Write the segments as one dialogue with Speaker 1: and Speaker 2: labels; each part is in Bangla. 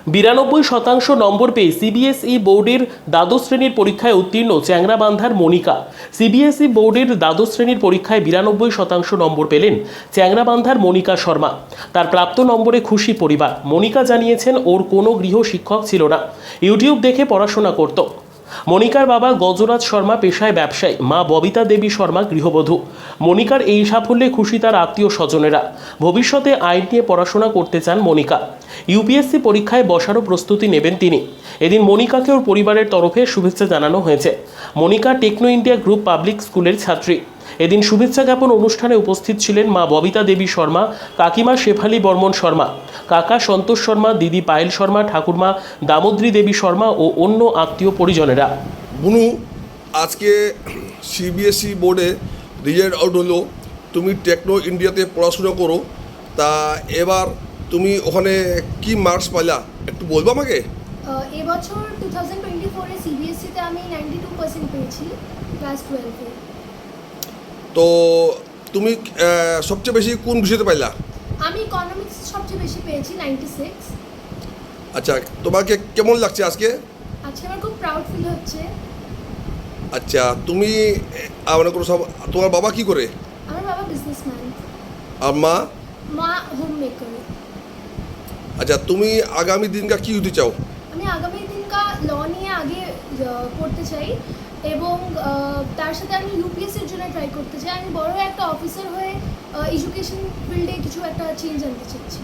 Speaker 1: 92% নম্বর পেয়ে সিবিএসই বোর্ডের দ্বাদশ শ্রেণীর পরীক্ষায় উত্তীর্ণ চ্যাংরাবান্ধার মনিকা। সিবিএসই বোর্ডের দ্বাদশ শ্রেণীর পরীক্ষায় 92% নম্বর পেলেন চ্যাংরাবান্ধার মনিকা শর্মা। তার প্রাপ্ত নম্বরে খুশি পরিবার। মনিকা জানিয়েছেন ওর কোনো গৃহ শিক্ষক ছিল না, ইউটিউব দেখে পড়াশোনা করত। মনিকার বাবা গজরাজ শর্মা পেশায় ব্যবসায়ী, মা ববিতা দেবী শর্মা গৃহবধূ। মনিকার এই সাফল্যে খুশি তার আত্মীয় স্বজনেরা। ভবিষ্যতে আইন নিয়ে পড়াশোনা করতে চান মনিকা। ইউপিএসসি পরীক্ষায় বসারও প্রস্তুতি নেবেন তিনি। এদিন মনিকাকে ওর পরিবারের তরফে শুভেচ্ছা জানানো হয়েছে। Monika techno India group public স্কুলের ছাত্রী। এদিন শুভেচ্ছা জ্ঞাপন অনুষ্ঠানে উপস্থিত ছিলেন মা ববিতা দেবী শর্মা, কাকিমা শেফালি বর্মন শর্মা, কাকা সন্তোষ শর্মা, দিদি পায়েল শর্মা, ঠাকুরমা দামোদ্রী দেবী শর্মা ও অন্য আত্মীয় পরিজনেরা।
Speaker 2: বুনু, আজকে সিবিএসই বোর্ডে রেজাল্ট আউট হলো। তুমি টেকনো ইন্ডিয়াতে পড়াশোনা করো, তা এবার তুমি ওখানে কি মার্কস পাইলা একটু বলবো আমাকে?
Speaker 3: এবছর 2024-এ সিবিএসসিতে আমি 92% পেয়েছি ক্লাস 12-এ।
Speaker 2: তো তুমি সবচেয়ে বেশি কোন বিষয়তে পাইলা?
Speaker 3: আমি ইকোনমিক্স সবচেয়ে বেশি পেয়েছি 96।
Speaker 2: আচ্ছা, তোমাকে কেমন লাগছে আজকে?
Speaker 3: আজকে আমার খুব প্রাউড ফিল হচ্ছে।
Speaker 2: আচ্ছা, তুমি মনে করো সব, তোমার বাবা কি করে?
Speaker 3: আমার বাবা বিজনেসম্যান।
Speaker 2: আর মা?
Speaker 3: মা হোম মেকার।
Speaker 2: আচ্ছা, তুমি আগামী দিনকা কি হতে চাও?
Speaker 3: আমি আগামী দিনকা ল নিয়ে আগে পড়তে চাই এবং তার সাথে আমি ইউপিএসসির জন্য ট্রাই করতে চাই। আমি বড় একটা অফিসার হয়ে এডুকেশন ফিল্ডে কিছু একটা চেঞ্জ আনতে চাইছি।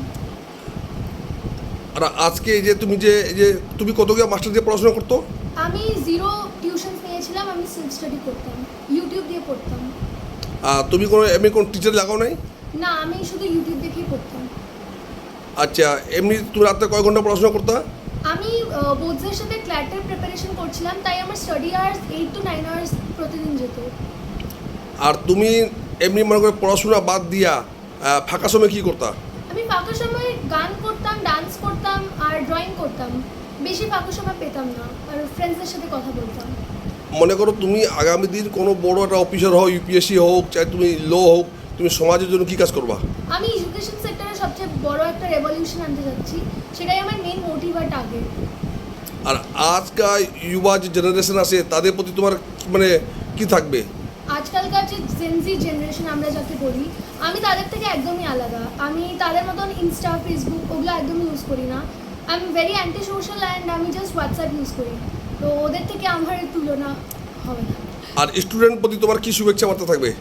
Speaker 2: আর আজকে এই যে তুমি কত গিয়ে মাস্টার দিয়ে পড়াশোনা করতো?
Speaker 3: আমি 0 টিউশন নিয়েছিলাম, আমি সেলফ স্টাডি করতাম, ইউটিউব দিয়ে পড়তাম।
Speaker 2: তুমি কোনো টিচার লাগাও নাই?
Speaker 3: না, আমি শুধু ইউটিউব দেখেই পড়তাম।
Speaker 2: আচ্ছা, এমনি তুমি রাতে কয় ঘন্টা পড়াশোনা করতা?
Speaker 3: আমি বোর্ডসের সাথে ক্ল্যাটের প্রিপারেশন করছিলাম, তাই আমার স্টাডি আওয়ার্স 8 to 9 আওয়ার্স প্রতিদিন যেত।
Speaker 2: আর তুমি এমনি মনে করে পড়াশোনা বাদ দিয়া ফাঁকা সময় কী করতা?
Speaker 3: আমি ফাঁকা সময় গান করতাম, ডান্স করতাম আর ড্রয়িং করতাম। বেশি ফাঁকা সময় পেতাম না, আর ফ্রেন্ডসদের সাথে কথা বলতাম।
Speaker 2: মনে করো তুমি আগামী দিন কোনো বড় একটা অফিসার হও, ইউপিএসসি হোক, চাই তুমি ল হোক, তুমি সমাজের জন্য কী কাজ করবা?
Speaker 3: আমি এডুকেশন সেক্টরে সবচেয়ে বড় একটা রেভলিউশন আনতে যাচ্ছি, সেটাই আমার মেইন মোটিভ আর টার্গেট।
Speaker 2: আর আজকাল ইউবা যে জেনারেশন আছে তাদের প্রতি তোমার মানে কি থাকবে?
Speaker 3: আজকালকার যে জেনজি জেনারেশন আমরা যাকে বলি, আমি তাদের থেকে একদমই আলাদা। আমি তাদের মতন ইনস্টা, ফেসবুক ওগুলো একদমই ইউজ করি না। I am very anti social and আমি জাস্ট হোয়াটসঅ্যাপ ইউজ করি। তো ওদের থেকে আমার তুলনা হবে না।
Speaker 2: আর স্টুডেন্ট প্রতি তোমার কী শুভেচ্ছা বার্তা থাকবে?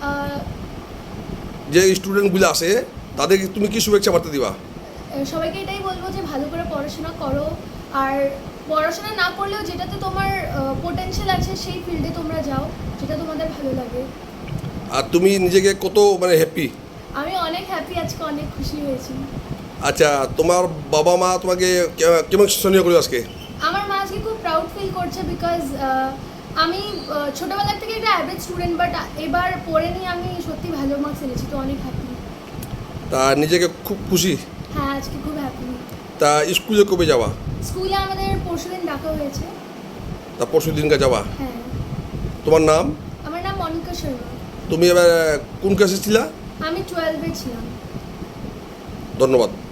Speaker 2: যে স্টুডেন্টগুলো আছে তাদেরকে তুমি কি শুভেচ্ছা বার্তা দিবা?
Speaker 3: সবাইকে এটাই বলবো যে ভালো করে পড়াশোনা করো, আর পড়াশোনা না করলেও যেটাতে তোমার পোটেনশিয়াল আছে সেই ফিল্ডে তোমরা যাও, যেটা তোমাদের ভালো লাগে।
Speaker 2: আর তুমি নিজেকে কত মানে হ্যাপি?
Speaker 3: আমি অনেক হ্যাপি, আজকে অনেক খুশি হয়েছি।
Speaker 2: আচ্ছা, তোমার বাবা মা তোমাকে কেমন সহযোগিতা করলো আজকে?
Speaker 3: আমার মা আজকে খুব প্রাউড ফিল করছে, বিকজ আমি ছোটোবেলার থেকে একটা অ্যাভারেজ স্টুডেন্ট, বাট এবার পড়ে নিয়ে আমি সত্যি ভালো মার্কস এনেছি, তো অনেক হ্যাপি।
Speaker 2: তা নিজেকে খুব খুশি?
Speaker 3: হ্যাঁ, আজকে খুব হ্যাপি।
Speaker 2: তা স্কুলে কবে যাওয়া?
Speaker 3: স্কুলে আমাদের পরশুদিন ডাকা হয়েছে।
Speaker 2: তা পরশু দিনকে যাওয়া?
Speaker 3: হ্যাঁ।
Speaker 2: তোমার নাম?
Speaker 3: আমার নাম মনিকা শর্মা।
Speaker 2: তুমি এবার কোন ক্লাসে ছিলা?
Speaker 3: আমি 12-এ ছিলাম।
Speaker 2: ধন্যবাদ।